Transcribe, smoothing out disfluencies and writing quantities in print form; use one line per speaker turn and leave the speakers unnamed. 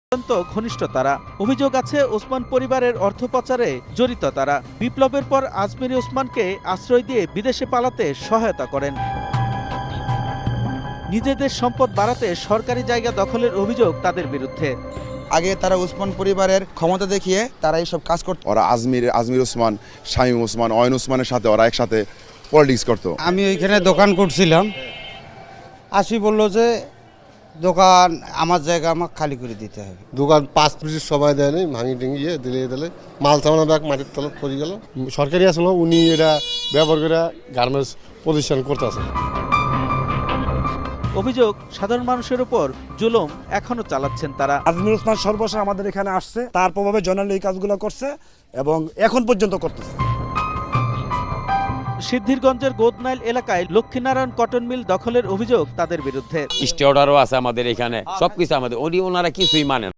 অত্যন্ত ঘনিষ্ঠ তারা। অভিযোগ আছে ওসমান পরিবারের অর্থ পাচারে জড়িত তারা। বিপ্লবের পর আজমিরি ওসমানকে আশ্রয় দিয়ে বিদেশে পালাতে সহায়তা করেন। নিজেদের সম্পদ বাড়াতে সরকারি জায়গা দখলের অভিযোগ তাদের বিরুদ্ধে।
আগে তারা ওসমান পরিবারের ক্ষমতা দেখিয়ে তারা এইসব কাজ করত।
ওরা আজমির ওসমান, শামীম ওসমান, অয়ন ওসমানের সাথে ওরা একসাথে পলিটিক্স করতো।
আমি ওইখানে দোকান করছিলাম, আসি বলল যে দোকান আমার জায়গা আমাকে খালি করে দিতে হবে।
দোকান 5 মিনিট সময় দেয় নাই, ভাঙি টিঙি দিলে মাল সামানা ব্যাগ মাটির তলত পড়ে গেল। সরকারি আসলে উনি এটা ব্যবহার করে গার্মেন্টস প্রতিষ্ঠান করতেছে।
অভিযোগ সাধারণ মানুষের উপর জুলুম এখনো চালাচ্ছেন তারা।
আজমির ওসমান সর্বশেষ আমাদের এখানে আসছে, তার প্রভাবে জয়নাল এই কাজগুলো করছে এবং এখন পর্যন্ত করতেছে।
সিদ্ধিরগঞ্জের গোদনাইল এলাকায় লক্ষ্মীনারায়ণ কটন মিল দখলের অভিযোগ তাদের বিরুদ্ধে।
স্টে অর্ডারও আছে আমাদের এখানে, সবকিছু আমাদের, ওনারা কিছুই মানেন।